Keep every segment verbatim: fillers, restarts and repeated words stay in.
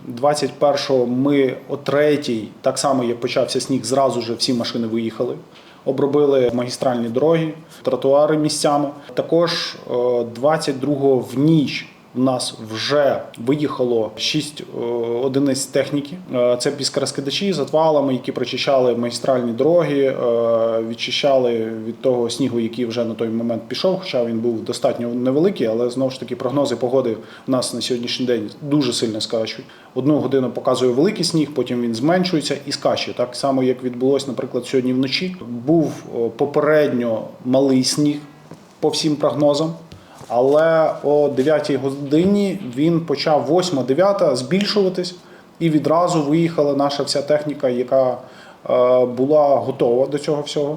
двадцять першого ми о третій, так само як почався сніг, зразу ж всі машини виїхали. Обробили магістральні дороги, тротуари місцями. Також двадцять другого в ніч у нас вже виїхало шість одиниць техніки. Це піскорозкидачі з отвалами, які прочищали магістральні дороги, відчищали від того снігу, який вже на той момент пішов, хоча він був достатньо невеликий, але знову ж таки прогнози погоди у нас на сьогоднішній день дуже сильно скачуть. Одну годину показує великий сніг, потім він зменшується і скаче. Так само, як відбулося, наприклад, сьогодні вночі. Був попередньо малий сніг по всім прогнозам. Але о дев'ятій годині він почав восьма-дев'ята збільшуватись, і відразу виїхала наша вся техніка, яка була готова до цього всього.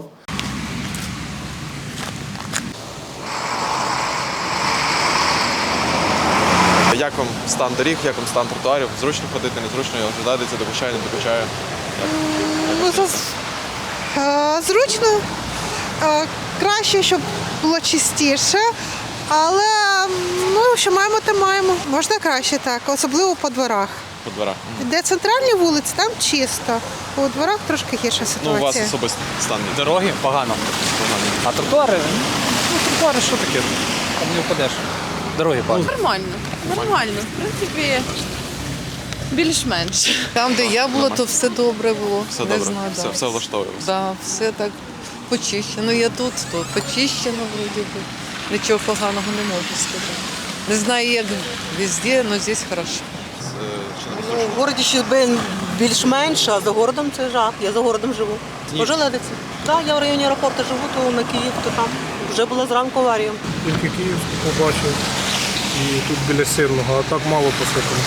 Як вам стан доріг, як вам стан тротуарів? Зручно ходити, незручно, ожидається, допущає, не допущає? Ну, зручно, краще, щоб було чистіше. Але ну, що маємо, те маємо. Можна краще так, особливо по дворах. По дворах? Де центральні вулиці, там чисто. У дворах трошки гірша ситуація. Ну, у вас особистий стан. Дороги погано. А тротуари? Ну, тротуари що таке? Там не впадеш. Дороги погано. Нормально, нормально. В принципі, більш-менш. Там, де я була, то все добре було. Все не добре, знаю, все, да. все влаштовує вас? Да, все так почищено. Я тут, то почищено вроді би. Нічого поганого не можу сказати. Не знаю, як везде, але тут хорошо. Ну, в городі ще більш-менш, а за городом це жах. Я за городом живу. Ожеледиться. Так, я в районі аеропорту живу, то на Київ, то там. Вже була зранку аварія. Тільки Київську побачив і тут біля Сирного, а так мало посипано.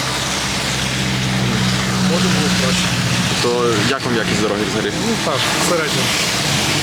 Може було краще. То як вам якість дороги взагалі? Ну так, середньо.